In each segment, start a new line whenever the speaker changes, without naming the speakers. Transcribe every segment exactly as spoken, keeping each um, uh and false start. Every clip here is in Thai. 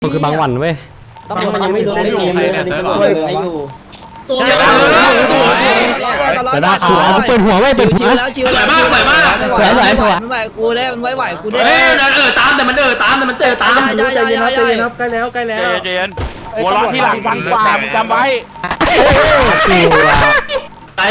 มันคือบางวันเว้ยตำรวจมันยังไม่รู้ได้ดีเลยนะไม่อยู่ตัวเดียวแต่หน้าขาวเปิดหัวไว้เปิดหัวแล้วชิวแล้วมากสวยมากสวยสวยสวยมันไหวกูได้มันไหวไหวกูได้เฮ้ยเออตามแต่มันเออตามแต่มันเจอตามใจเย็นนะใจเย็นนะใกล้แล้วใกล้แล้วใจเย็นหัวเราะที่หลังฟังกว่าจำไว้ไอ้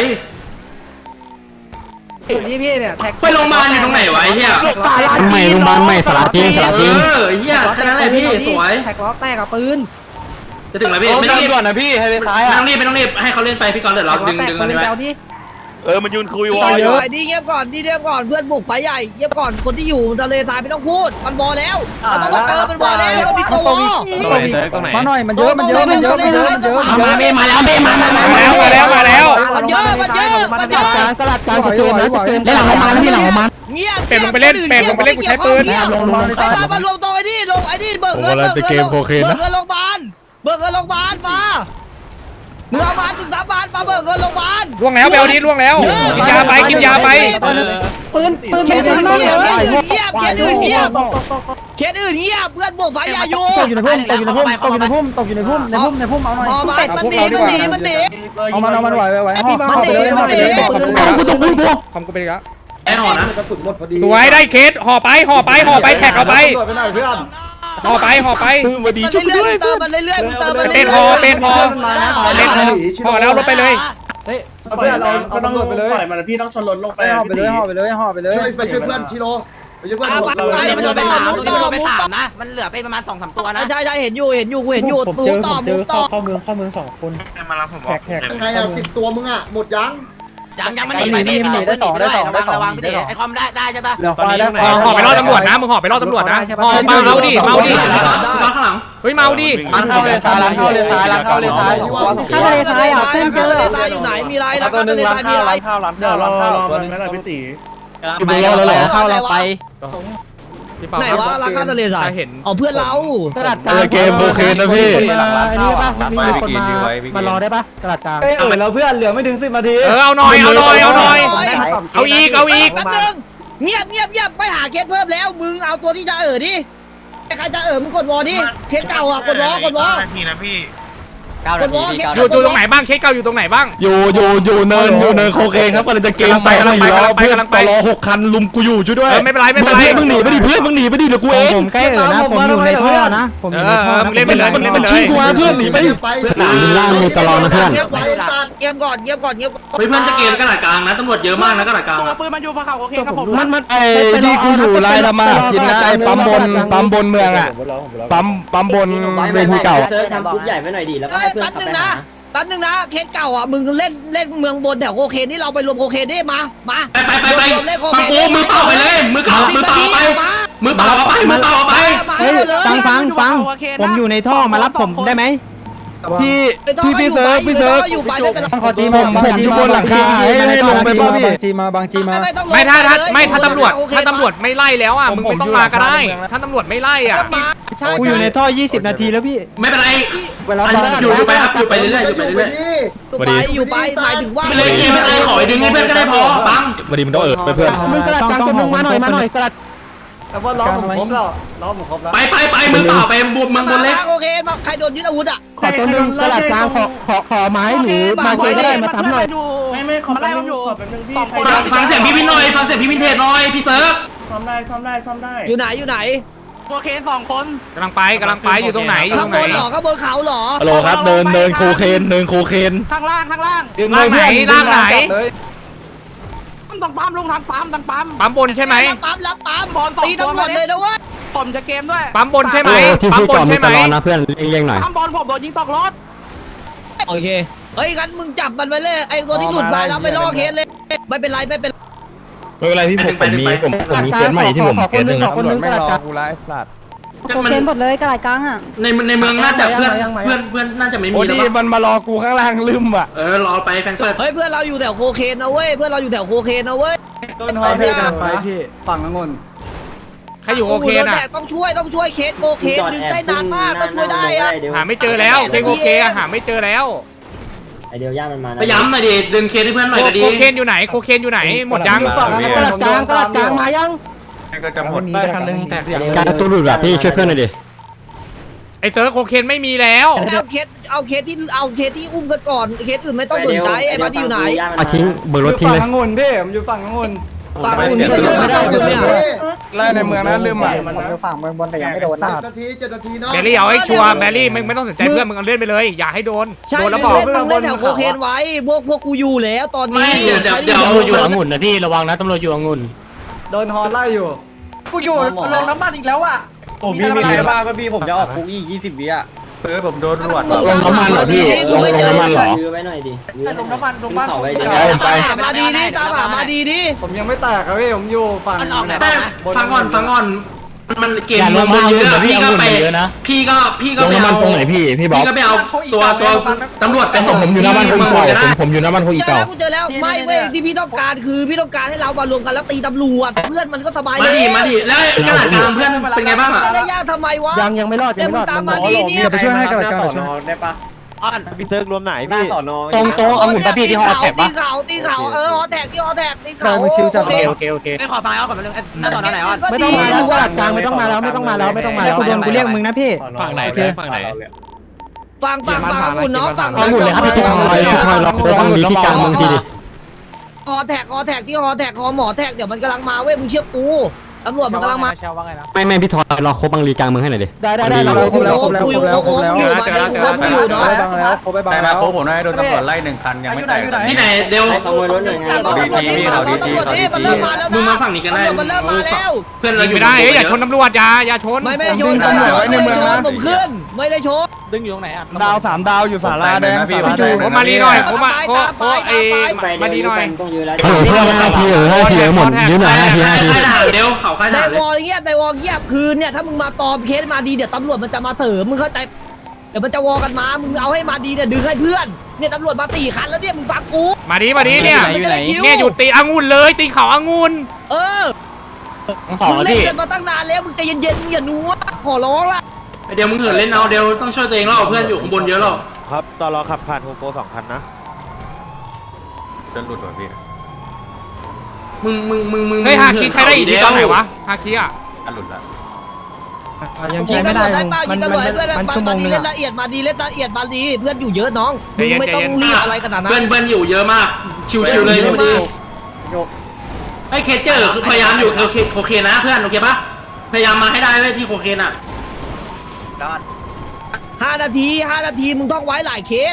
พี่พี่เนี่ยแท็กไปโรงพยาบาลอยู่ตรงไหนวะไอ้เหี้ยไม่โรงพยาบาลไม่สลัดจริงสลัดจริงเออเหี้ยแค่นั้นแหละพี่สวยแท็กล้อแตกกับปืนจะถึงแล้วพี่ไม่ต้องรีบด่วนนะพี่ให้ไปซ้ายอ่ะไม่ต้องรีบไม่ต้องรีบให้เขาเล่นไปพี่ก่อนเดี๋ยวเราดึงดึงมันไปเออมันยืนคุยวอลเยอะดีเงียบก่อนดีเงียบก่อนเพื่อนบุกไฟใหญ่เงียบก่อนคนที่อยู่ทะเลทรายไม่ต้องพูดมันบอแล้วเราต้องมาเติมมันบอแล้วพี่โตมาหน่อยมันเยอะมันเยอะมันเยอะมันเยอะมันเยอะมาเมมาแล้วเมมามามามาแล้วมาแล้วมันเยอะมันเยอะมันเยอะตลาดกลางจะเติมนะจะเติมได้หลังออกมาแล้วพี่หลังออกมาเงียบเป็ดลงไปเล่นเป็ดลงไปเล่นกูใช้ปืนลงลงไปมามารวมตัวไอ้นี่ลงไอ้นี่เบิกเงินเบิกเงินเบิกเงินโรงพยาบาลเบิกเงินโรงพยาบาลมาเนื้อบ้านถึงสามบาทมาเบิกเงินโรงพยาบาลล่วงแล้วเบลดีล่วงแล้วกินยาไปกินยาไปปืนปืนเคสอื่นเงียบเคสอื่นเงียบเคสอื่นเงียบเพื่อนโบกไฟยาอยู่ตกอยู่ในพุ่มตกอยู่ในพุ่มตกอยู่ในพุ่มตกอยู่ในพุ่มในพุ่มในพุ่มเอาหน่อยมันหนีมันหนีมันหนีเอามันเอามันไหวไหวมันหนีมันหนีกูตกกูกูคอมกูไปอีกแล้วไอ้ห่อนะสวยได้เคสห่อไปห่อไปห่อไปแท็กเอาไปห่อไปห่อไปมาดีช่วยด้วยเติมมันเรื่อยๆเติมมันเป็นห่อเป็นห่อเป็นห่อห่อแล้วลงไปเลยเฮ้ยเพื่อนเราเอาตำรวจไปเลยปล่อยมันพี่ต้องชนรถลงไปห่อไปเลยห่อไปเลยห่อไปเลยช่วยไปช่วยเพื่อนชิโร่ไปช่วยเพื่อนไปมันโดนไปสามมันโดนไปสามนะมันเหลือไปประมาณสองสามตัวนะใช่ใช่เห็นอยู่เห็นอยู่กูเห็นอยู่ตูต่อมูต่อเข้าเมืองเข้าเมืองสองคนมารับผมแท็กแท็กยังไงอ่ะสิบตัวมึงอ่ะหมดยังยังยังมันหนีไปพี่มันหนีได้สองได้สองระวังระวังพี่ไอคอมได้ได้ใช่ปะตอนนี้ห่อไปรอดตำรวจนะมึงห่อไปรอดตำรวจนะห่อเมาดิเมาดิมาข้างหลังเฮ้ยเมาดิร้านเข้าเลยซ้ายร้านเข้าเลยซ้ายร้านเข้าเลยซ้ายเข้าเลยซ้ายอ่ะเส้นเจอเลยซ้ายอยู่ไหนมีไรแล้วก็ทะเลทรายมีไรข้าวร้านข้าวร้านข้าวร้านนั้นพี่ตีไปแล้วแล้วเข้าเราไปไหนวะร้านข้าวทะเลทรายเห็นอ๋อเพื่อนเราตลาดกลางเกมโอเคนะพี่อันนี้ป่ะมีคนมามารอได้ป่ะตลาดกลางเออเราเพื่อนเหลือไม่ถึงสิบนาทีเออเอาหน่อยเอาหน่อยเอาหน่อยเอาอีกเอาอีกแป๊บนึงเงียบเงียบเงียบไปหาเคสเพิ่มแล้วมึงเอาตัวที่จะเอ๋อดิใครจะเอ๋อมึงกดวอดิเคสเก่าอ่ะกดวอกดวอทีนะพี่อยู่อยู่ตรงไหนบ้างเคสเก่าอยู่ตรงไหนบ้างอยู่อยู่อยู่เนินอยู่เนินโคเคนครับกำลังจะเกมไปกำลังไปเพื่อนตลอหกคันลุมกูอยู่ช่วยด้วยไม่เป็นไรไม่เป็นไรมึงหนีไปดิเพื่อนมึงหนีไปดิเดี๋ยวกูเองผมใกล้เอ๋อนะผมอยู่ในท่อนะผมอยู่ในท่อมึงเล่นไปเลยมึงเล่นไปเลยชิงกูมาเพื่อนหนีไปหนีล่างมีตลอนะเพื่อนเงียบก่อนเงียบก่อนเงียบก่อนเพื่อนจะเกมกระดาษกลางนะตำรวจเยอะมากนะกระดาษกลางปืนมันอยู่ภูเขาโอเคครับผมมันมันไอ้ที่กูอยู่ไล่ละมากินนะไอ้ปั๊มบนปั๊มบนเมืองอ่ะปั๊มปั๊มบนเวทีเก่าทำบูธใหญ่ไว้หน่อยดิแล้วก็ให้เพื่อนขับไปหาแป๊บนึงนะเคสเก่าอ่ะมึงเล่นเล่นเมืองบนแถวโคเคนนี่เราไปรวมโคเคนได้มามาไปไปไปไปฟังกูมือเปล่าไปเลยมือเปล่ามือเปล่าไปมือเปล่าไปมือเปล่าไปฟังฟังฟังผมอยู่ในท่อมารับผมได้ไหมพี่พี่พี่เซิร์ฟพี่เซิร์ฟอยู่ไปไม่เป็นไรขอจีผมผมอยู่บนหลังคาให้ให้ลงไปป่ะพี่บางจีมาบางจีมาไม่ถ้าถ้าไม่ถ้าตำรวจถ้าตำรวจไม่ไล่แล้วอ่ะมึงไม่ต้องมาก็ได้ถ้าตำรวจไม่ไล่อ่ะกูอยู่ในท่อยี่สิบนาทีแล้วพี่ไม่เป็นไรเวลาอยู่ไปครับอยู่ไปเรื่อยๆอยู่ไปเรื่อยๆไปอยู่ไปหมายถึงว่าไม่เลยกินไม่เลยขอดึงให้เพื่อนก็ได้พอปังวันนี้มันต้องเออเพื่อนมึงกระดาษกลางมึงมาหน่อยมาหน่อยกระดาษแต่ว่าล้อผมครบแล้วล้อผมครบแล้วไปไปไปมือเปล่าไปบวมมึงบนเล็กโอเคมาใครโดนยึดอาวุธอ่ะขอตัวนึงกระดาษกลางขอขอขอไม้หรือมาเชยก็ได้มาทำหน่อยไม่ไม่ขอไล่ผมอยู่ฟังเสียงพี่พินหน่อยฟังเสียงพี่พินเทศหน่อยพี่เซิร์ฟซ้อมได้ซ้อมได้ซ้อมได้อยู่ไหนอยู่ไหนโคเคนสองคนกำลังไปกำลังไปอยู่ตรงไหนอยู่ตรงไหนข้างบนหรอข้างบนเขาหรอฮัลโหลครับเดินเดินโคเคนเดินโคเคนข้างล่างข้างล่างล่างไหนล่างไหนต้องปั๊มลงทางปั๊มทางปั๊มปั๊มบนใช่ไหมปั๊มรับปั๊มบอลตีตำรวจเลยนะเว้ยผมจะเกมด้วยปั๊มบนใช่ไหมปั๊มบนใช่ไหมนะเพื่อนเร่งหน่อยปั๊มบอลผมโดนยิงตกรถโอเคเฮ้ยงั้นมึงจับมันไปเลยไอ้ตัวที่หลุดมาแล้วไปล่อเคสเลยไม่เป็นไรไม่เป็นไม่เป็นไรพี่ผมผมมีผมผมมีเคสใหม่ที่ผมเคสหนึ่งคนนึงไม่รอกูไล่สัตว์โคเคนหมดเลยกระดาษกลางอ่ะในในเมืองน่าจะเพื่อนเพื่อนเพื่อนน่าจะไม่มีแล้วมันมารอกูข้างล่างลืมอ่ะเออรอไปแฟนเฟิร์สเฮ้ยเพื่อนเราอยู่แถวโคเคนนะเว้ยเพื่อนเราอยู่แถวโคเคนนะเว้ยต้นหอยพี่กันไปพี่ฝั่งองุ่นใครอยู่โคเคนอ่ะต้องช่วยต้องช่วยเคสโคเคนดึงได้นานมากต้องช่วยได้อ่ะหาไม่เจอแล้วเคสโคเคนหาไม่เจอแล้วไอเดียวย่ามันมาไปย้ำหน่อยดิดึงเคสให้เพื่อนหน่อยก็ดีโคเคนอยู่ไหนโคเคนอยู่ไหนหมดยังฝั่งกระดาษกลางกระดาษกลางมายังก็จะหมดได้คันนึงแต่การตัวหลุดแบบพี่ช่วยเพื่อนหน่อยดิ
ไอเซิร์ฟโคเคนไม่มีแล้ว
เอาเคสเอาเคสที่เอาเคสที่อุ้มกันก่อนเคสอื่นไม่ต้องสนใจไอ้มาดีอยู่ไหน
มาทิ้งเบอร์รถทิ้งเลย
ฝั่งองุ่นพี่ผมอยู่ฝั่งองุ่น
ฝั่งอุ่นนี่ไม่ได้ใช่ไหม
ไล่ในเมืองนะลืมอ่ะ
มันอยู่ฝั่งเมืองบนแต่ยังไม่โดนนะ
นาทีเจ็ดนาทีเนาะ
แมรี่เอาให้ชัวร์แมรี่มึงไม่ต้องสนใจเพื่อนมึงเอาเลื่อนไปเลยอย่าให้โดน
ใช่
โดน
แล้
แล้ว ว
บบ อ
อก ก
มึงเล่นแถวโคเคนไว้พวกพวกกูอยู่แล้วตอนนี้
ไม่เดี๋ยวเดี๋ยวเดี๋ยว
ตำรวจอยู่องุ่นนะพี่ระวังนะตำรวจอยู่องุ่น
โดนฮอไล่อยู่
กูอยู่ลงน้ำมันอีกแล้วอ่ะ
ผมมีมีอะไรบ้างพี่ผมจะออกคุกอีกยี่สิบวิอ่ะ
เออผมโดนตำรวจ
ลงน้ำมันเหรอพี่ลงน้ำมันเหรอ
ยื้อไว้หน่อยดิ
ลงน้ำมันลงบ้าน
เขาไว้
ตามหามาดีดิตามหามาดีดิ
ผมยังไม่แตกครับพี่ผมอยู่ฝั่ง
แต่ฟังก่อนฟังก่อนมันเกม
อย่าล
มัน
งมา
เย
เย
อะ
อะ
พี่
พี่
ก็
องุ่น
ไป
เยอะนะ
พี่ก็พี่ก็
ลง
ไป
น้ำมัน
เอา
ตรงไหนพี่พี่บอก
พี่ก็ไปเอาตัวตัวตำรวจไปส่ง
ผมอยู่หน้าบ้านคุยเก่าผมผมอยู่หน้าบ้านคุย
เจอ
เก่า
แล้วกูเจอแล้วไม่เว้ยที่พี่ต้องการคือพี่ต้องการให้เรามารวมกันแล้วตีตำรวจเพื่อนมันก็สบาย
มาดิมาดิแล้วกระดาษกลางเพื่อนเป็นไงบ้างอ่ะ
ไม่ได้ยากทำไมวะ
ยังยังไม่รอด
เดี๋ยวมึงตามมาดีเนี่ย
ไปช่วยให้กระดาษกลางช่วยได้ปะ
พี่เซิร์กรวมไหนพี่สอนอ
ตรงตรงองุ่นปะพี่ที่ฮอแท็ก
ตี
ปะ
เขาตีเขาเออฮอแท็กที่ฮอแท็กตีเขา
มันชิวจัด
โอเคโอเคโอเค
ไม่ขอฟังเอาก่อนมาเรื่องหน้าสอนอไหนอ่ะ
ไม่ต้องมาแล้วกระดาษกลางไม่ต้องมาแล้วไม่ต้องมาแล้วไม่ต้องมาแล้ว
กูโดนกูเรียกมึงนะ
ฝั่งไหนฝั่งไหน
ฟังฟังฟังอุ่นเนาะฟัง
องุ่นเลยครับพี่ทอยทอยล็อกโค้งดีที่กลางเมืองทีดิ
ฮอแท็กฮอแท็กที่ฮอแท็กฮอหมอแท็กเดี๋ยวมันกำลังมาเว้ยมึงเชื่อกูตำรวจมันกำลังมา
ไม่ไม่พี่ทอยรอโค้งบางรีกลางเมืองให้หน่อยดิ
ได้ได้ได้เราครบแล้วครบแล้วครบแล้วครบแล้วอยู่มาได้ครบอยู่เนาะ
แต่มาโค้ผมได้โดนตำรวจไล่หนึ่งคันยังไม่แตก
ที่ไหนเดี๋ยว
ตำรวจนี่ตำรวจนี่มันเริ่มมาแล้ว
มึงมาฝั่งนี้กันได้
มันเริ่มมาแล้ว
เพื่อนเรา
ยิง
อยู่
ไม่ได้เอ้ยอย่าชนตำรวจอย่าอย่าชน
ไม่ไม่ชนตำรวจไว้ในเมืองนะผมขึ้นไม่ได้ชน
ดึงอยู่ตรงไหนอ่ะ
ดาวสามดาวอยู่ศาลาแดงพี่
ผมมาดีหน่อยผมมาโคโคไอมาดีหน่อย
ฮัลโหลเพื่อนห้าทีเออห้าทีเออหมดยืนหน่อยห้าทีห้าที
ค่ายทหารเดี๋ยวเขาค่ายท
ใน
หาร
วอลเงียบในวอลเงียบคืนเนี่ยถ้ามึงมาตอมเคสมาดีเดี๋ยวตำรวจมันจะมาเสริมมึงเข้าใจเดี๋ยวมันจะวอกันมามึงเอาให้มาดีเนี่ยดึงให้เพื่อนเนี่ยตำรวจมาสี่คันแล้วเนี่ยมึงฟังกู
มาดีมาดีเนี่ย
มันจะได้คิว
เนี่ยหยุดตีองุ่นเลยตีเขาองุ่น
เออ
ทั้งสอง
มึง
แล้ว
เล่น
พี่
กันมาตั้งนานแล้วมึงใจเย็นๆมึงอย่านัวขอร้องละ
เดี๋ยวมึงเหินเล่นเอาเดี๋ยวต้องช่วยตัวเองแล้วเพื่อนอยู่ข้างบนเยอะหรอก
ครับตอนรอขับผ่านโฮโปสองคันนะ
จะหลุดว่ะพี่
มึงมึงมึงมึง
เฮ้ยฮาคิใช้ได้อีกทีตอนไหนวะฮาคิอ่ะ
จะหลุดละ
ยังใช้ไม่ได้มันมันมันชั่วโมงนึงเล่นละเอียดมาดีเล่นละเอียดมาดีเพื่อนอยู่เยอะน้องมึงไม่ต้องรีบอะไรขนาดนั้น
เพื่อนเพื่อนอยู่เยอะมากชิวๆเลยพี่ดีไอ้เคเจอร์คือพยายามอยู่โอเคโอเคนะเพื่อนโอเคปะพยายามมาให้ได้เว้ยที่โคเคนอ่ะ
ห้านาทีห้านาทีมึงต้องไว้หลายเคส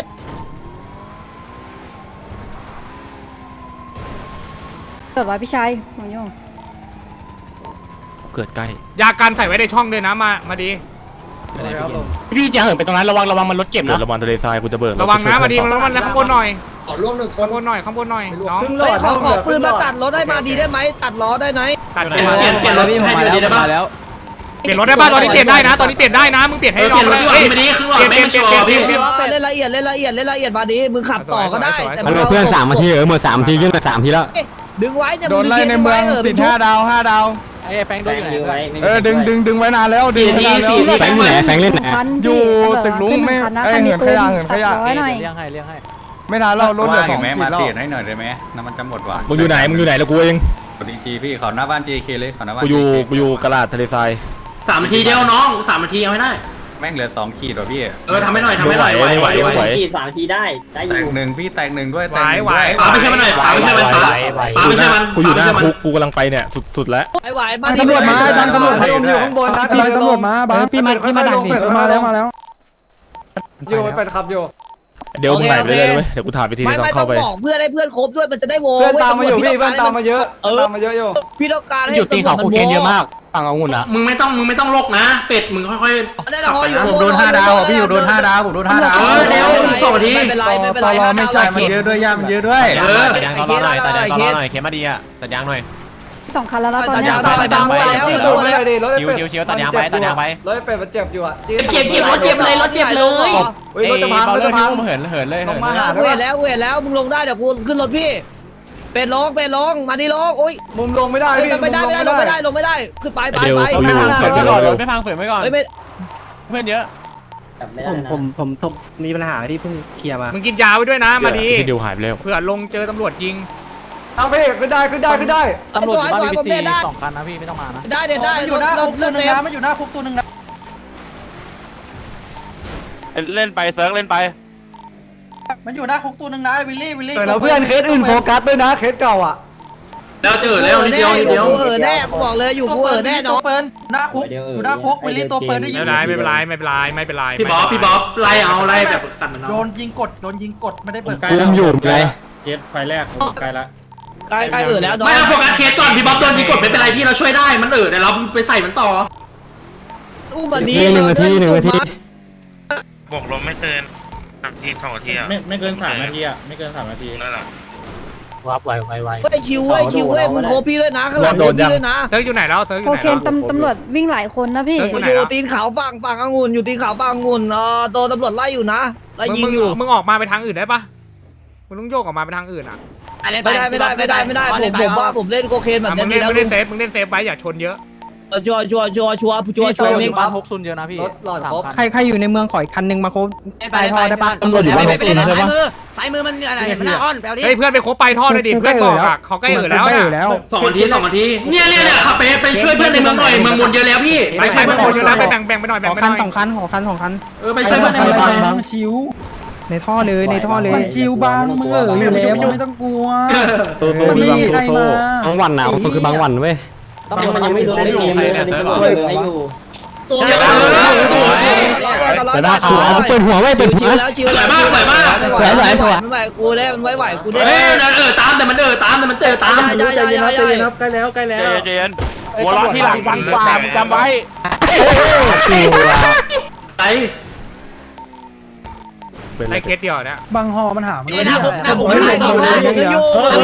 เกิดไว้พี่ชายหมอโยง
เกิดใกล้
ยากันใส่ไว้ในช่องด้วยนะมามาดี
พี่จะเหินไปตรงนั้นระวังระวังมันรถเก็บนะระวังทะเลทรายกูจะเบิก
ระวังนะมาดีมันมันข้างบนหน่อย
ขอล่วงหนึ่งค
ข้าน งบนหน่อยข้างบนหน่อยน้อง
เฮ้ยขอขอปืนมาตัดรถให้มาดีได้ไหมตัดล้อได้ไหม
ตัด
เปลี่ยนเปลี่ยนเปลี่ยนรถให้ดูดีได้ปะ
เปลี่ยนรถได้ป่ะตอนนี้เปลี่ยนได้นะ ตอนนี้เปลี่ยนได้นะมึงเปลี่ยนให้
เป
น้อ
ลี่ย
ง
นรถดีกว่าไม่ดีครึ่งหลอดไม่ชัวร์พี่
เล่นละเอียดเล่นละเอียดเล่นละเอียดมาดีมึงขับต่อก็ได้แต่
ฮัลโหลเพื่อนสามนาทีเออหมดสามทียื่นมาสามทีแล้ว
ดึงไว้เนี่ย
โดนไล่ในเมืองติดห้าดาวห้าดาว
ไอ้แฟงโดนอยู่ไหน
เออดึงดึงดึงไว้นานแล้วดึง
สี่
นานแล้ว
สี่
แฟงอยู่ไหนแฟงเล่นไหน
อยู่ตึกลุงไม่เอ้ยเหินขยะเหินขยะ
ร้อยหน่อย
เลี้ยงให้เลี้ยงให้
ไม่นานแล้วรถเหลือสอง
ไหม
ขี
มา
ดแล้ว
เปลี่ยนให้หน่อยได้ไหมน้ำมันจะหมดว่ะ
มึงอยู่ไหนมึงอยู่ไหนแล้วกูเอง
กดอีกทีพี่เขาหน้าบ้าน จี เค เลยเขาหน้าบ้าน
กูอยู่
จี เค
กูอยู่กระดาษทะเลทราย
สามนาทีเดียวน้องสามนาทีเอาให้ได้
แม่งเหลือสองขีดว่ะพี่
เออทำให้หน่อยทำให้หน่อยไหวไหวไหว
ขีดสามนาทีได้ได้อ
แต
ยู่
กหนึ่งพี่แตกหนึ่งด้วย
ไหว
แตกหนึ่ง
ไหว
ด้วย
ป๋าไม่ใช่มันหน่อยป๋าไม่ใช่มันป๋าป๋าไม่ใช่มัน
กูอยู่หน้าคุกกูกำลังไปเนี่ยสุดสุดแล้ว
ไอ้ไหวมา
ตำรวจมาดันตำรวจให้ผมอยู่ข้างบนนะดันตำรวจมาบ้าพี่มาพี่มาดักดิมาแล้วมาแล้วอยู่ไปขับอยู่
เดี๋ยวมึงไหนไปเลยเดี๋ยวกูถามไปที
ไม่
นึง
ไม่
เข้า
ต้อง
ไป
บอกเพื่อนให้เพื่อนครบด้วยมันจะได้โว
เพื่อนตามมาอยู่พี่เพื่อนตามมาเยอะตามมาเยอะอยู่
พี่ต้องการให้
อยู่ตีเขาโคเคนเยอะมากฝั่งองุ่นอ่ะ
มึงไม่ต้องมึงไม่ต้องลกนะ เป็ดมึงค่อยๆ
ได้
ขับ
พอ
ไป
อยู่
นะ
ผมโดนห้าดาวอ่ะพี่ผมโดนห้าดาวผมโดนห้าดาว
เออเดี๋ยวอีกสองนาที
ไม่เป็นไรไม่เป็นไร
ตลอไม่
ห้า
ใช่
ดาว
มันเยอะด้วยย่ามันเยอะด้วย
เออ
ตัดยางตลอดหน่อยตัดยางตลอดหน่อย
เข็มมาดีอ่ะตัดยางหน่อย
สองคันแล้วนะตอน
ตัด
เนี้
ยาย งตลอดตัดยางไปแล้ว
จี้
ตั
ตู
ว
ดไม่
แล้ว
ได้ดิรถ
ชิวชิวตัดยางไปตัดยางไป
รถเป็ดมันเจ็บอยู่อ่ะ
เจ็บเจ็บรถเจ็บเลยรถเจ็บเลย
เฮ้ยรถจะพังรถจะพัง
เหินเหินเลย
ต้องมาหา
เวทแล้วเวทแล้วมึงลงได้เดี๋ยวกูขึ้นรถพี่เป็นลงเป็นลงมาดิลงโอ้ย
มุมลงไม่ได้พี่
ไม่ได้ไม่ได้ลงไม่ได้ลงไม่ได้ขึ้นไปไป
เดี๋ยว
ไป
กูอยู่เดี๋ยวเดี๋ยว
ไม่พังเฝืนไว้ก่อน
ไม่
เพื่อนเยอะ
ผมผมผมผมมีปัญหาที่เพิ่งเคลียร์มา
มึงกินยาไว้ด้วยนะมาดี
พี่ดิวหายไปแล้ว
เผื่อลงเจอตำรวจยิง
เอาพี่ขึ้นได้ขึ้นได้ขึ้นได้
ตำรวจอยู่บ้านบีบีซีสองคันนะพี่ไม่ต้องมานะ
ได้เด็ดได้
มันอ
ร
ยู่
ถ
หน้าร
ถ
คุก
ร
ตัว
ถ
หนึ่ง
เม
นะมันอยู่หน้าคุกตัวหนึ่งนะ
เล่นไปเซิร์ฟเล่นไป
มันอยู่หน้าคุกตัวนึงนะวิลลี่วิลลี่
เออแล้วเพื่อนเคสอื่นโฟกัสด้วยนะเคสเก่าอ่ะ
แล้วเจอแล้วนิดเดียวนิดเดียว
กูเออแน่กูบอกเลยอยู่กูเออแน่น้อง
เปิดหน้าคุกอยู่หน้าคุกวิลลี่ตัวเปิดได้ยิ
ไม่
ง
เป็นไรไม่เป็นไรไม่เป็นไรไม่เป็นไร
พี่บ๊อบพี่บ๊อบไล่เอาไล่แบบกันมัน
โด
เอา
นยิงกดโดนยิงกดไม่ได้เปิด
อุ้มอยู่ไง
เคสไฟแรกใกล้ละ
ใกล้ใกล้เออแล้วน้อง
ไม่เอาโฟกัสเคสก่อนพี่บ๊อบโดนยิงกดไม่เป็นไรพี่เราช่วยได้มันเออแต่เราไปใส่มันต่อ
อู้บันนี้
หนึ่งนาทีหนึ่งนาที
บอกลมไม่เกินทีสองนาทีอ่ะ
ไม่ไม่เกินสามนาทีอ่ะไม่เกินสามนาที
นั่นแหละ
วับไวไวไว
เฮ้ยคิวเว้ยคิวเว้ยมึงโคพี่ด้วยนะข้างหลังโคพี่ด้วยนะ
เซิร์ฟอยู่ไหนแล้วเซิร์ฟอ
โอยู่
ไหน
เค
แล้ว
ตำตำรวจวิ่งหลายคนนะพี่
เซิร์ฟอยู่ไหน
อยู่
แล้ว
ตีนเขาฝั่งฝั่งองุ่นอยู่ตีนเขาฝั่งองุ่นเออโดนตำรวจไล่อยู่นะไล่ยิงอยู่
มึงออกมาไปทางอื่นได้ปะมึงต้องโยกออกมาไปทางอื่นอ่ะ
ไม่ได้ไม่ได้ไม่ได้ไม่ได้ผมผมว่าผมเล่นโคเคนแบบ
มึ
นี้
ง
ดี
เล่น
แล้ว
มึงเล่นเซฟมึงเล่นเซฟไว้อย่าชนเยอะ
ชัวร์ชัวร์ชัวร์ชัวร์ชัวร์ชัวร์เอง
บ้านพกซุนเยอะนะพี่
รถหลอด
สาม
ครบ
คัน
ใครใครอยู่ในเมืองขออีกคันนึงมาโคบไปท่อได้ปะ
ตำรวจอยู่บ้านพกซุนใช่ปะ
ซ้ายมือมันอะไรเห็นหน้าอ้อนแปลดิ
เฮ้ยเพื่อนไปคบไปท่อเลยดิเพื่อนบอกอ่ะเขาใกล้เออแล้ว
ใกล้
นะ
อยู่แล้ว
สองนาทีสองนาทีเนี่ยเนี่ยเนี่ยขับไปไปช่วยเพื่อนในเมืองหน่อยเมืองมนเยอะแล้วพี่
ไปไปเพื่อนอยู่แล้วไปแบ่งแบ่งไปหน่อย
ข
แบ่ง
อ
ไปห
คัน
น่อย
สองคันขอคันสองคัน
เออไปช่วยเพื่อนในเมืองหน่อย
ชิวในท่อเลยในท่อเลยชิวบางมึงเอออยู่แล้วไม่ต้องกลัว
โซโซมีบางโซโซบางวันนะมันคือบางวันเว้ย
มันยังไม่รู้ไม่รู้ใครเนี่ยเซิร์ฟบอกไม่อยู่
ตัวเดียว
แต่ได้คือเอาเปิดหัวไว้เปิดหั
ชิ
ว
วแล้วชิวแล้วไม่ไหวกูได้มันไม่ไหวกูได้
เฮ้ยเออตามแต่มันเออตามแต่มันเจอตาม
ใจเย็นครับใจเย็นครับ
ใกล้แล้วใกล้แล้ว
เจนหัวเราะที่หลังวันกว่าจำไว้
ไอ
ไอ้เคสเดียวเนี่ย
บางฮอมันหามัน
นี่นะผมนะผมไม่ได้ต่อเลย
อยู่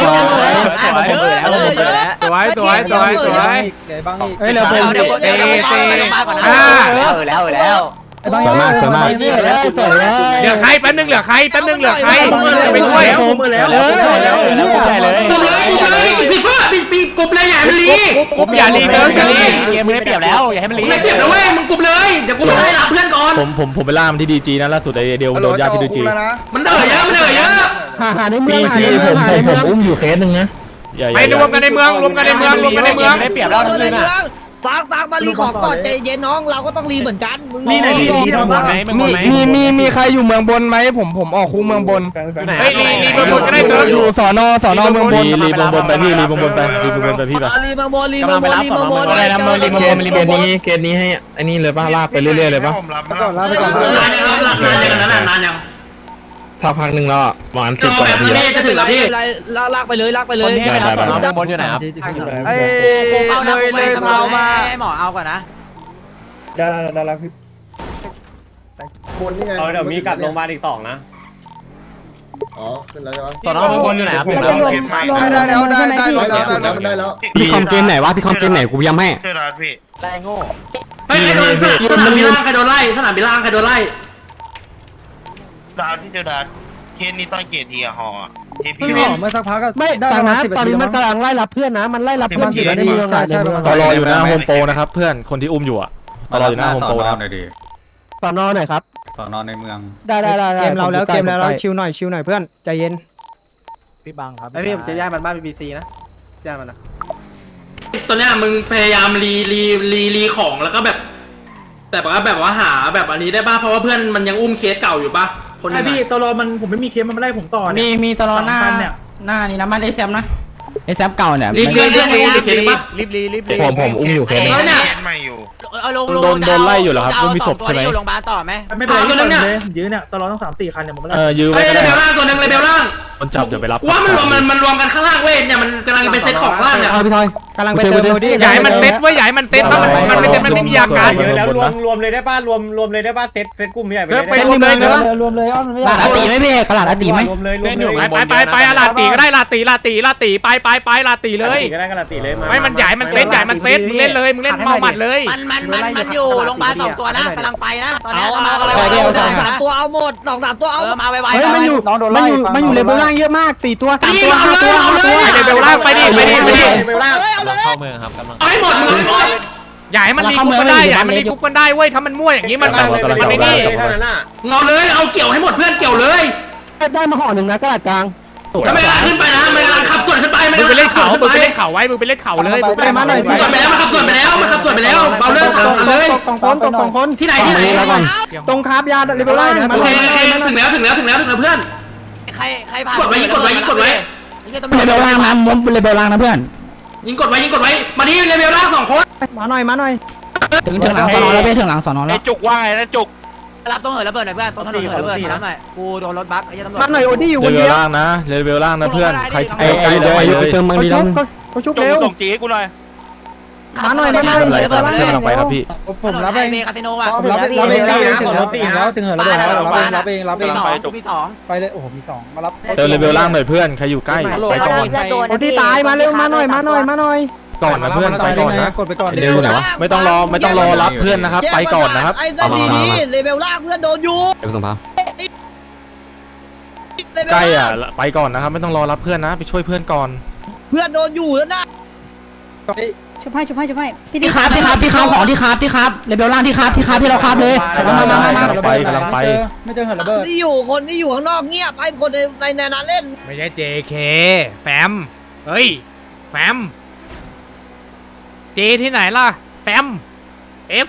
สวยสวยสวยสวย
บางอีกเฮ้ยเร็ว
เดี๋ยวเดี๋ยวเดี๋ยวเดี๋ยวเดี๋ยวมาก่อนนะ
ห้า
เออแล้วเออแล้ว
บางสวยมากสวยมากสวยแล้วสวยแล้ว
เหลือใครแป๊บนึงเหลือใครแป๊บนึงเหลือใครไปช่วย
มือแล้ว
เออแล้วแล้วกลุ่มใหญ่เลย
กบเลยกบเลยฟีฟ่าปีปีกบเลยอย่ามันลี
ผมอย่ารีเซิร์ฟอย่ารี
เกมมึงได้เปรียบแล้วอย่าให้มันลี
ไม่เปรียบนะเว้ยมึงกบเลยเดี๋ยวกูไปรับเพื่อนก่อน
ผมผมผมไปล่ามันที่ดีจีนะล่าสุดไอเดียวโดนยาที่ดีจี
มันเออเยอะมันเออเยอะ
หาหาในเมืองหาในเมืองหาในเมือง
อุ้มอยู่เคสหนึ่งนะ
ไปรวมกันในเมืองรวมกันในเมืองรวมกันในเมือง
ได้เปรียบแล้วทั้งคืนอ่ะ
ฟังฟังมารีของก่อนใจเย็นน้องเราก็ต้องรีเหมือนกันมึง
นี่ไหนรีรีทำหมดไหม
มีมีมีมีใครอยู่เมืองบนไหมผมผมออกคูเมืองบน
เฮ้ยรีรีเมืองบนก็ได้เซิร์ฟ
อยู่สอนอสอนอเมืองบน
รีรีบงบนไปพี่รีบงบนไปรีบงบนไปพี่ปะ
รีบางบอลรีบางบอลรีบางบอล
อะไรนะมันรีบงบนรีบงบนเคสนี้ให้ไอ้นี่เลยป่ะลากไปเรื่อยๆเลยป่ะ
ก่อนลาไปก่อน
นานยังครับนานยังนานนานยัง
ถ้าพักหนึ่งแล้วประมาณสิบ
ร
ก
อ
ว่า
แบบ
นาที
นี้จะถึงแล้วพี่
ลากไปเลยลากไปเลย
ได้ได้ได้
บนอยู่ไหนครับ
ไอ้
เลยเลยเผามาให้หมอเอาก่อนนะ
ดาราดาราพี่บนนี่ไง
เดี๋ยวมีกลับโรงพยาบาลอีกสองนะ
อ๋อขึ้นแล้วใช่ไหม
สอนอเมืองบนอยู่ไหนครับ
เราจะรวมรวม
ได้แล้วได้ได้
ใช่ไหม
ได้
พี่
แล้วได้แล้ว
พี่คอมเกมไหนวะพี่คอมเกมไหนกูย้ำให้
ช่วยรัดพี่
ได้โง่
เฮ้ยใครโดนสนามบินล่างใครโดนไล่สนามบินล่างใครโดนไล่
รัดพี่เจอรัดเคสนี้ต้องเกียรติอะฮอที่
พี่
พี่
บ
วิ
อน กเมื่อสักพักก็
ไม่
ได้
ฟัง
ประมา
นะ
ณสิบ
ตอน
นาที
นี้มัน
มั้ง
กำลังไล่รับเพื่อนนะมันไล่รับเพื่อนอยู่ในเมือง
ใช่ใช่
ตอรออยู่หน้าโฮมโปรนะครับเพื่อนคนที่อุ้มอยู่อ่ะตอรออยู่หน้าโฮมโปรนะ
สอนอหน่อยครับ
สอนอนในเมือง
ได้ได้ได้
เกมเราแล้วเกมเราแล้วชิวหน่อยชิวหน่อยเพื่อนใจเย็น
พี่บังครับ
ไอพี่ผมจะย้ายมันบ้านบีบีซีนะย้ายมันนะ
ตอนเนี้ยมึงพยายามรีรีรีรีของแล้วก็แบบแบบว่าแบบว่าหาแบบอันนี้ได้ป่ะเพราะว่าเพื่อนมันยังอุ้มเคสเก่าอยู่ป่ะคนนึง
พี่ตลอมันผมไม่มีเคมมันไม่ไล่ผมต่อ
มีมีตลอดหน้าหน้านี่นะมันไอแซมนะไอแซมเก่าเนี่ย
รีรีเรื่องนี้อุ้มเคสป่ะ
รีบรีรีบรี
ผมผมอุ้มอยู่เคสนึง
แล้วเนี่ย
ไม่อยู่
เอาลงโดนโดนไล่อยู่เหรอครับมีศพใช่ไหม
อยู่โรงพยาบาลต่อไหม
ไม่เป็นไรตัวนึงเนี่ยยื้อเนี่ยตลอต้องสามสี่คันเนี่ยผมไม่ไล่
เออยื้อ
เฮ้
ไว้
ย
ก็
เล
ได้
เบลล่างตัวนึงเลเบลล่าง
คนจับเดี๋ยวไปรับ
ว่ามันรวมมันมันรวมกันข้างล่างเว้ยเนี่ยมันกำลังเป็นเซตของล่างเนี่ย
เอาพี่ทอยกำลังไปเติมโมดี้
ใหญ่มันเซ็ตไว้ใหญ่มันเซ็ตถ้ามันมันไม่เซ็ตมันไม่มีอาการ
เยอะแล้วรวม
รวมเลยได้ป่ะรวมรวมเลยได้ป่ะเซตเซตกลุ่มใหญ่
เซิร์ฟไปรวมเลยเซิร์ฟ
รวมเลยอ้อนมันไม่
ตลาดอาตีไหมพี่ตลาดอาตีไหม
รวมเลยรวมเลย
ไปไปไปลาตีก็ได้ลาตีลาตีลาตีไปไปไปลาตีเลย
ก็ได้กันละตีเลย
ไม่มันใหญ่มันเซ็ตใหญ่มันเซ็ตมึงเล่นเลยมึงเล่นเมาหมัดเลย
มันมันมันมันอยู่โรงพยาบาลสองตัวนะกำลังไปนะตอนนี้มา
ส
เลย
องสามตัวเอาหมดสองสามตัวเอา
เออมาไว
เฮ้ยมันอยู่มันอยู่มันอยู่เลเวลล่างเยอะมากสี่ตัวสามตัวห้าตัว
ไปเลเวลล่างไปดิไปดิไปดิ
เข้าเมืองครับกำลัง
เอาให้หมดมึงเอาให้หมด
ใหญ่มันรีคุกกันได้ใหญ่มันรีคุกกันได้เว้ยถ้ามันมั่วอย่างนี้มันมันมันไม่นี่
เอาเลยเอาเกี่ยวให้หมดเพื่อนเกี่ยวเลย
ได้มาห่อหนึ่งนะกระดาษกลาง
แล้วไม่กำลังขึ้นไปนะไม่กำลังขับส่วนขึ้นไป
มึงไปเล่นเขามึงไปเล่นเขาไว้มึงไปเล่นเขาเลยมึงไปเล่น
มาหน่อย
ส่วนไปแล้วมาขับส่วนไปแล้วมาขับส่วนไปแล้วเบาเลิกขับเลย
สองคนตกสองคน
ที่ไหนที่ไหน
ตรงคาบยาเรเบลล่า
โอเคโอเคถึงแล้วถึงแล้วถึงแล้วถึงแล้วเพื่อน
ใครใครผ่าน
กดไว้ยิงกดไว้ยิงกดไว้
เลเบลล่างนะมเลเบลล่างนะเพื่อน
ยิงกดไว้ยิงกดไว้มาดิเลเวลล่างสองคน
มาหน่อยมาหน่อย
ถึงถึงหลังสอนอแล้วเพื่อนถึงหลังสอนอแล้ว
จุกว่าไงนะจุก
รับต้องเหินระเบิดหน่อยเพื่อนต้องถนนเหินระเบิดน้ำหน่อยกูโดนรถบัสไอ้ตำรวจ
มาหน่อยโอดี้อยู่
เล
คน
เว
เดี
ล
ยว
ล่างนะเลเวลล่างนะเพื่อนใคร
ไอ้ไอ้เดี๋ยวอายุเติมบางดีแล้วเขาชุบเร็ว
ส่งจีให้กูหน่อย
มาหน่อยมาหน่อย
อะไรครับเพื่อนกำลังไปครับพี่
ผมรับ
ไอ
เอง
เมคาสิโนอ่ะ
รับเองรับเองถึงแล้วถึงแล้วถึงเหินระเบิดแล้วรับเองรับเองรับเอง
มีสอง
ไปเลยโอ้โหมีสองมารับ
เติมเลเวลล่างหน่อยเพื่อนใครอยู่ใกล้ไปก่อน
โอดี้ตายมาเร็วมาหน่อยมาหน่อยมาหน่อย
ก่อนนะเพื่อนไปก่อนนะ
กดไปก่อน
เร็วหน่อยวะไม่ต้องรอไม่ต้องรอรับเพื่อนนะครับไปก่อนนะครับ
ไอ้ดีดีเลเวลล่างเพื่อนโดนอยู่
เดี๋ยวส่งพาใกล้อ่ะไปก่อนนะครับไม่ต้องรอรับเพื่อนนะไปช่วยเพื่อนก่อน
เพื่อนโดนอยู่แล้วนะ
ชุบให้ชุบให้ชุบให้พี่
ที่ครับที่ครับที่ครับของที่ครับที่ครับเลเบลล่างที่ครับที่ครับที่เราครับเลยมามามามา
ไปกำลังไป
ไม่เจอเหินระเบิด
ที่อยู่คนที่อยู่ข้างนอกเงียบให้คนในในนั้นเล่น
ไม่ใช่ เจ เค แฟมเฮ้ยแฟมเจที่ไหนล่ะแฟม F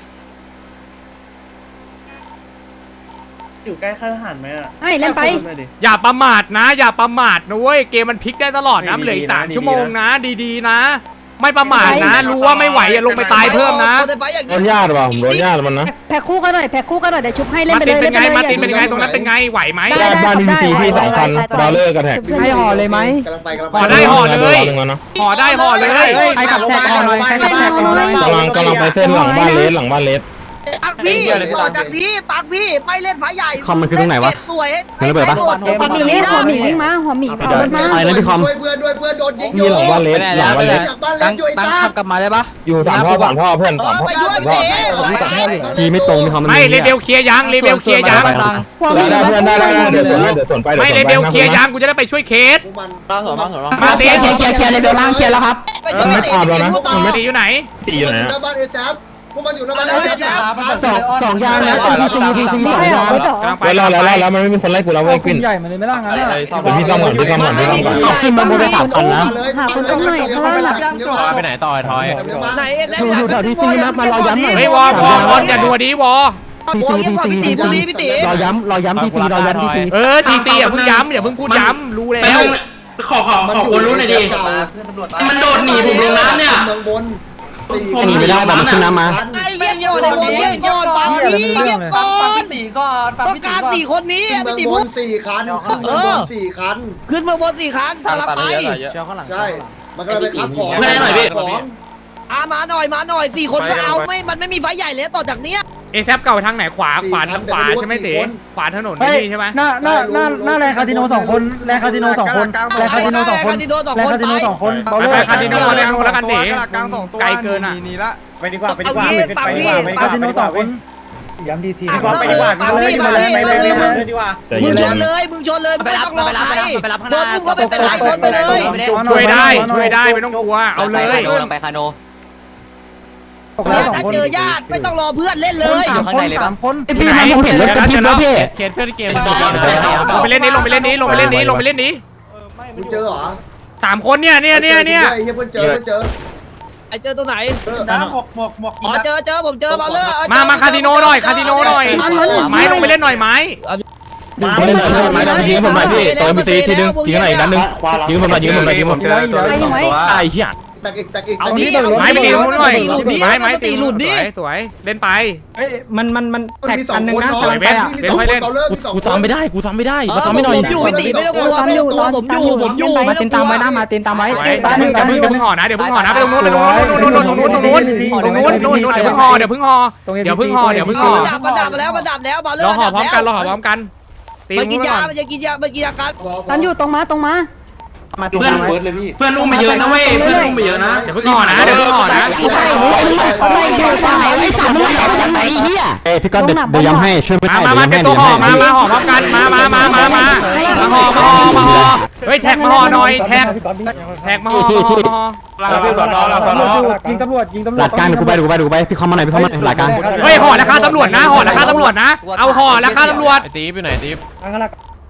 อยู่ใกล้ค่ายทหารไหมอ่ะ
ให้เล่นไป
อย่าประมาทนะ อย่าประมาทนะเว้ยเกมมันพลิกได้ตลอดนะเหลืออีกสามชั่วโมงนะดีๆนะ ไม่ประมาทนะ รู้ว่าไม่ไหวอย่าลงไปตายเพิ่มนะ
โดนญาติว่ะผมโดนญาติมันนะ
แพ็คคู่กันหน่อยแพ็คคู่กันหน่อยเดี๋ยวชุบให้เล่น
มา
ไป
ติ
เล
น
ย
เป็นไงมาตินเป็นไงตรงนั้นเป็นไงไหวไหม
ได้บ้านดีซีพี่สองพันบาเลอร์กับแท็ก
ให้ห่อเลยไหม
กำลังไปกำลังไป
ห่อได้ห่อเลยห่อได้ห่อเลย
ใครกับแท็กห่อหน่อยใครกับแท็กห่อหน่อย
กำลังกำลังไปเส้นหลังบ้านเลสหลังบ้านเลส
ปักพี่ต่อจากนี้ปักพี่ไม่เล่นไฟใหญ่
คอมมันคือตรงไหนวะ
สวย
คือระเบิดปะ
หัวหมีหัวหมีวิ่งมาหัวหมีขับรถมา
อะไรนะพี่คอม
ช่วยเพื่อนด้วยเพื่อนโดนยิงอ
มี
ยู่
หลังบ้านเลสหลังบ้านเลส
จากบ้านเล็กอยู่ไอ้ตา
กลับมาได้ปะ
อยู่สามพ่อสามพ่อเพื่อน
เอ
สาม
อ
พ่อ
ไปด้วยเต๋
ทีไม่ตรงมีคอมมัน
ไม่เลเบลเคลียร์ยังเลเบลเคลียร์ยัง
หัวหมี
ได้เพื่อนได้ได้เดี๋ยวส่วนให้เดี๋ยวส่วนไป
ไม่เลเบลเคลียร์ยังกูจะได้ไปช่วยเคส
พวกมัน
บ้างเหรอบ้างเหรอ
มา
เค
ติ
ลีย
น
ร์เคลียร์เคลียร์เลเบลล่างเคลียร์แล้วครับ
มันไม่ตามแล้วนะมันไม่
ตีอยู่ไหน
ตีอยู่ไหน
หน้าบ้านเอแซฟพวกมันอยู่หน้าบ้านเอแซฟ
สองสองยางนะทีซีทีซีสองยาง
กำลังไป
เวลาแล้วแล้วมันไม่มีคนไล่กูแล้วเว้ยกวิน
ใหญ่มาเลยไม่ล่างงั้นอ่ะ
เดี๋ยวพี่ต้องก่อนพี่ต้องก่อนพี่ต้องก่อน
ขึ้นมาบนไปสามคันนะ
หาคนตรงไหนข้างล่างหลับ
ไปไหนต่อไอ้ทอย
ไหนเอ็น
อยู่อยู่แถวทีซีนะมารอย้ำหน่อย
เฮ้ยวอวอวออย่าดัวดีวอ
ทีซีทีซีทีซีรอย้ำรอย้ำทีซีรอย้ำทีซี
เออซีซีอย่าเพิ่งย้ำอย่าเพิ่งพูดย้ำรู้แล้
ไป
ว
ลงขอขอขอคนรู้หน่อยดิมันโดดหนีผมลงน้ำเนี่ย
เมืองบนสี่
หนีไม่ได้บอกมันขึ้นน้ำมา
ไอ้เยี่ยมโยนไอ้โมเยี่ยมโยนฟังพี่เยี่ยมก่อนต้องการสี่คนนี้
เมื
ไม่
อง
ติ
บ
พู
น
ด
สี่คันขึ้นเมืองบนสี่คัน
ขึ้นมาบนสี่คันกำลังไป
ใช่ มันก็เลยไปขับของ
เพื่อนให้หน่อยพี่
ของ
อามาหน่อยมาหน่อยสี่คนก็เอาไม่มันไม่มีไฟใหญ่เลยต่อจากเนี้ย
เอแซปเก่าทางไหนขวาขวาทางขวาใช่ไหมเต๋ขวาถนน
เฮ้ย
นี่ใช่ไหม
หน้าหน้าหน้าหน้าแรงคาสิโนสองคนแรงคาสิโนสองคนแรงคาสิโนสองคนแรงคาสิโนสองคนเบา
ไป
เล
ไป
ย
คาสิโนแล้วแล้วกันเต๋ไกลเกินอ่ะ
ไปดีกว่าไปดีกว่า
เอางี้
ไปดีกว่าไปคาสิโนสองคนย้ำทีที
ไปดีกว่าไปเลยไปเลยไปเลยไปเลย
ดีกว่า
มึงชนเลยมึงชนเลยไม่ต้องรอใครโดนมึงก็ไม่เป็นไรโดนไปเลย
ช่วยได้ช่วยได้ไม่ต้องกลัวเอาเลย
ไปคาโน
ถ้าเจอญาติไม่ต้องรอเพื่อนเล่นเลย
สามคนสามคน
พี่มันผมเห็นรถกระพริบแล้วพี่
เคสเพื่อนเกม
ลงไปเล่นนี้ลงไปเล่นนี้ลงไปเล่นนี้ลงไปเล่นนี้
มึงเจอเหรอ
สามคนเนี่ยเนี่ยเนี่ยเนี่ย
ไอ้เหี้ยเพิ่งเจอเพิ่งเจอ
ไอ้เจอตัวไหน
น้
หมกหมกหมกอ๋อเจอเจอผมเจอมาเลย
มามาคาสิโนหน่อยคาสิโนหน่อยไม้ลงไปเล่นหน่อยไม้
ไม่ได้หน่อยไม่ได้ไม้ดำยิงผมหน่อยพี่ตัวเอ็มซีทีนึงยิงหน่อยอีกนัดนึงยิงผมหน่อยยิงผมหน่อยยิงผม
เจอตัวสองตัว
ไอ้เหี้ย
แตกอีกแตกอีก
เอา
แตก
ดิ
อีก
ไม้ไปตีตรงนู้นหน่อยไม้ไม้ตี
หลุดดิ
สวยสวยเล่นไป
เฮ้ยมันมันมัน
มัน
แท็ก
มีสอ
อั
ง
นหนึ่ง
คน
นะ
เนาะ
กำลังไปอ่ะ
มีสองคนเราเลิกมีสอง
กู
คน
ซ้ำไม่ได้กูซ้ำไม่ได้มาซ้ำไม่หน่อย
ผมอยู่พี่ตีไม่ต้องกลัวไม่ต้องกลัวผมอยู่ผมอยู่
มาเต็นตามไว้นะมาเต็นตามไว้
สวยเดี๋ยวเพิ่งเดี๋ยวเพิ่งห่อนะเดี๋ยวเพิ่งห่อนะไปตรงนู้นไปตรงนู้นตรงนู้นตรงนู้นตรงนู้นตรงนู้นตรงนู้นเดี๋ยวเพิ่งห่อเดี๋ยวเพิ่งห่อเดี๋ยวเพิ่งห่อเดี๋ยวเพิ่งห่อ
มันดับมาแล้วมันดับแล้วมาเลิ
รอก ห่อพร้อมกันรอห่อพร้อมกันตี
มัน
ต
กิ
รง
น
นู้น
ยา
ก่อน
มันจะกินยามันกินยากัน
ตอนอยู่ตรงมาตรงมา
มา
เพื่อน
ไว้
เพื่อนอุ้มไปเยอะนะเว้ยเพื่อนอุ้มไปเยอะนะ
เดี๋ยวเพิ่งห่อนะเดี๋ยวเพิ่งห่อนะ
ใช่ไม่อยู่ตรงไหนไอ้สัตว์มึงมาจากไหนเฮีย
เอ้พี่ก็เดี๋ยวย้ำให้ช่วยไม่
มา
ได้
มามาเป็นตัวห่อมามาห่อพร้อมกันมามามามามามาห่อมาห่อมาห่อเฮ้ยแท็กมาห่อหน่อยแท็กแท็กมาห่อมาห่อมาห่อ
หลักตำรวจหลักตำรวจยิงตำรวจยิงตำรวจ
หลักการกูไปกูไปกูไปพี่เข้ามาหน่อยพี่เข้ามาหน่อยหลักการ
เฮ้ยห่อราคาตำรวจนะห่อราคาตำรวจนะเอาห่อราคาตำรวจ
ตีฟอยู่ไหนตีฟ
อังกฤษ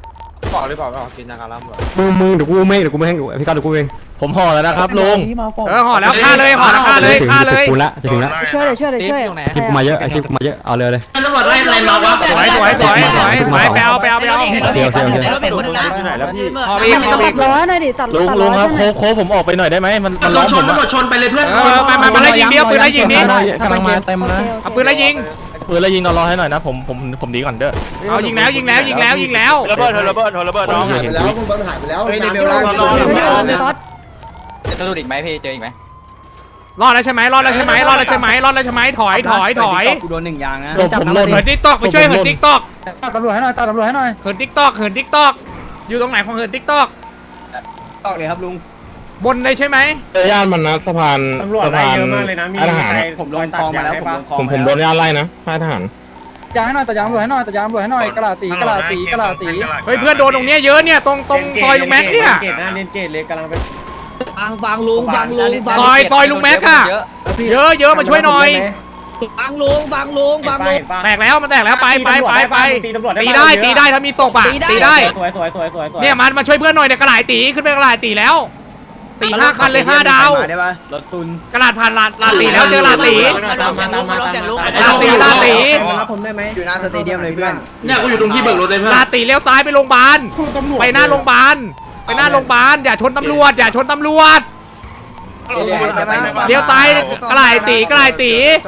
บอกหรือเปล่าว่ากินยาการล้ำหรอ
มึงมึงเดี๋ยวกูเองเดี๋ยวกูไม่ให้พี่ก้าวเดี๋ยวกูเองผมห่อแล้วนะครับลุง
เออห่อแล้วฆ่าเลยห่อแล้วฆ่าเลยฆ่าเลย
กูละจะถึงละ
ช่วยเลยช่วยเลยช่วย
คลิปมาเยอะไอคลิปมาเยอะเอาเลยเลย
ตำรวจไล่อะไรมาวะ
สวยสวยสวยสวยไปไปเอาไปเอาไปเอา
เดี๋ยวเดี๋ยวเดี๋ยวเดี๋ยวคนนึงนะ
ไหนแล้วพี่
พออีกพอ
ตั
อี
ด
ก
ล้อหน่อยดิตัด
ลุง
ตัด
ลุ
ล้
ง
อ
ครับ
ใช่ไหม
โค้งโค้งผมออกไปหน่อยได้ไหมมันมัน
ตำร
ล้
ว
อ
จ
ม
ช
ผ
น
ม
ตำรวจชนไปเลยเพื่อน
เออมามามาไล่ยิงเดียวปืนไล่ยิงนี้
กำลังมาเต็มนะ
เอาปืนไล่ยิง
ปืนแล้วยิงเอารอให้หน่อยนะผมผมผมดีก่อนเด้อ
เอายิงแล้วยิงแล้วยิงแล้วยิงแล้ว
ระเบิดระเบิดระเบิดน้อง
หายไปแล้วคุณบอลหายไปแล้ว
เฮ้ย
น้ำ
เดี๋ยว
ไม่
เรา
ได้
เรา
เดี๋ยวก๊อต
จะต้องดูอีกไหมพี่เจออีกไหม
รอดแล้วใช่ไหมรอดแล้วใช่ไหมรอดแล้วใช่ไหมรอดแล้วใช่ไหมถอยถอยถอย
กูโดนหนึ่งยางนะ
ผมผมหล่น
เหินทิกตอกไปช่วยเหินทิกตอก
ตัดตำรวจให้หน่อยตัดตำรวจให้หน่อย
เหินทิกตอกเหินทิกตอกอยู่ตรงไหนของเหินทิกตอก
ตอกเลยครับลุง
บนเลยใช่ไหม
เจอย่านมันนะสะพานสะพานทหาร
ผมลงคลองมาแล้วผมลงคลอง
ผมผมโดนย่านไล่นะค่ายทหาร
ยางให้หน่อยตัดยางตำรวจให้หน่อยตัดยางตำรวจให้หน่อยกระดาษตีกระดาษตีกระดาษตี
เฮ้ยเพื่อนโดนตรงเนี้ยเยอะเนี่ยตรงตรงซอยลุงแม็กเนี่ย
เกตนะเล่นเกตเลยกำลังไป
ฟังฟังลุงฟังลุงฟัง
ซอยซอยลุงแม็กอะเยอะเยอะมาช่วยหน่อย
ฟังลุงฟังลุงฟังลุง
แตกแล้วมันแตกแล้วไปไปไปไปตีได้ตีได้ถ้ามีศพอะตีได้
สวยสวยสวยสวย
เนี่ยมันมาช่วยเพื่อนหน่อยเนี่ยกระหลายตีขึ้นไปกระหลายตีแล้วสี่ห้าคันเลยห้าดาว
ได้ป่ะรถตุน
กระดาษผ่านลาลาตีแล้วเจอลาตี
มันลงแข่งลุงมันลงแข่งลุง
ลาตีลาตี
มารับผมได้ไหมอยู่หน้าสเตเดียมเลยเพื่อน
เนี่ยกูอยู่ตรงที่เบิกรถเลยเพื่อน
ลาตีเลี้ยวซ้ายไปโรงพยาบาลไปหน้าโรงพยาบาลไปหน้าโรงพยาบาลอย่าชนตำรวจอย่าชนตำรวจเลี้ยวซ้ายกระหลายตีกระหลายตี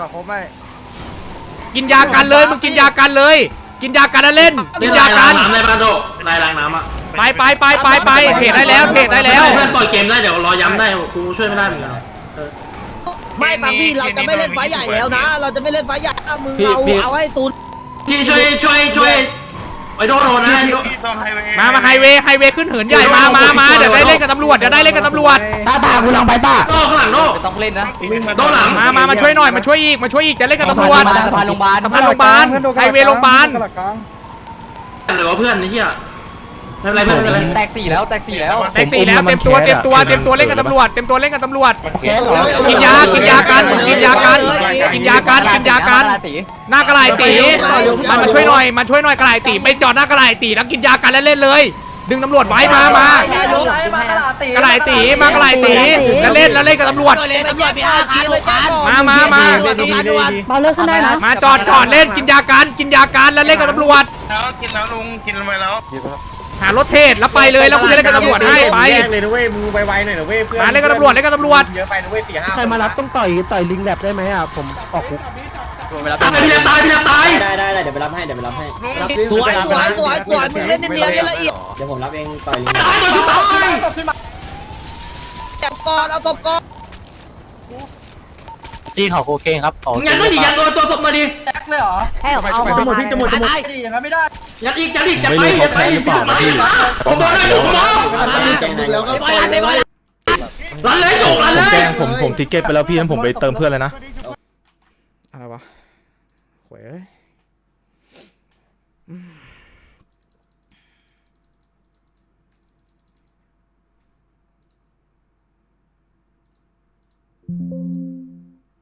กินยากันเลยมึงกินยากันเลย กินยากันแล้วเล่นกินยากัน
น้ำในบ้านโดลายล้างน้ำอ่ะ
ไปไปไปไปไปเพจได้แล้วเพจได้แล้ว
เพื่อนปล่อยเกมได้เดี๋ยวรอย้ำได้กูช่วยไม่ได้เหมือนกัน
ไม่ฟังพี่เราจะไม่เล่นไฟใหญ่แล้วนะ เราจะไม่เล่นไฟใหญ่มึงเอาเอาให้ศูนย์
พี่ช่วยช่วยช่วยไอ้โดโดนะ
มามาไฮเวย์ไฮเวย์ขึ้นเหินใหญ่มามามาเดี๋ยวได้เล่นกับตำรวจเดี๋ยวได้เล่นกับตำรวจ
ตาตากูลังไปตา
โดข้างหลังโด
ต้องเล่นนะ
โดหลัง
มามามาช่วยหน่อยมาช่วยอีกมาช่วยอีกจะเล่นกับตำรวจ
มาสะพานโรงพยาบาล
สะพานโรงพยาบาลไฮเวย์โรงพยาบาล
หรือว่าเพื่อนไอ้เหี้ยไม่เป็นไรเพื่อนไม่เป็นไร
แตกสี่แล้วแตกสี่แล้ว
แท็กซี่แล้วเต็มตัวเต็มตัวเต็มตัวเล่นกับตำรวจเต็มตัวเล่นกับตำรวจกินยากินยากันกินยากันกินยากันกินยากันหน้ากระไหลตีมันมาช่วยหน่อยมาช่วยหน่อยกระไหลตีไปจอดหน้ากระไหลตีแล้วกินยากันแล้วเล่นเลย ดึงตำรวจไว้มามากระไหลตีมากระไหลตีแล้วเล่นแล้วเล่นกับตำรวจ
เลยตำรวจไปห้าคันเลยจ้า
มามามา
เบาเลิกขึ้นได้นะ
มาจอดจอดเล่นกินยากันกินยากันแล้วเล่นกับตำรวจ
แล้วกินแล้วลุงกินไปแล้ว
หารถเทศแล้วไปเลยแล้วกูจะเล่นกับตำรวจให้ไป
เลยนะเว้ยมึงไวๆหน่อยนะเว้ยเพื่อน
มาเล่นกับตำรวจเล่นกับตำรวจ
เยอะไปนะเว้ยสี่ห้า
ใครมารับต้องต่อยต่อยลิงแลบได้ไหมอ่ะผมออกคุก
ตายพี่เล็บตายพี่เล็บตาย
ได้ได้ได้เดี๋ยวไปรับให้เดี๋ยวไปรับให้
สวยสวยสวยสวยมึงเล่นเนียนๆละเอียด
เดี๋ยวผมรับเองต่อยลิง
ตายโดนชุบตาย
จับก่อนเอาศพก่อน
จีนของโคเคนครับของ
ยันไม่ดิยันตัวตัวศพมาดิ
ให้ออกเอา
จะหมดพี่จะหมดจะหมด
ยัดอีกยัดอีกยัดไปยัดไปยัดไปยัดไปผมบอกได้อยู่ผมบอก
แล้วก็
ไปไปไป
รันเลยโยกรัน
ผม
เลย
แจ้งผมผมติเก็ตไปแล้วพี่นั้นผมไปเติมเพื่อนเลยนะ
อะไรวะโว้ย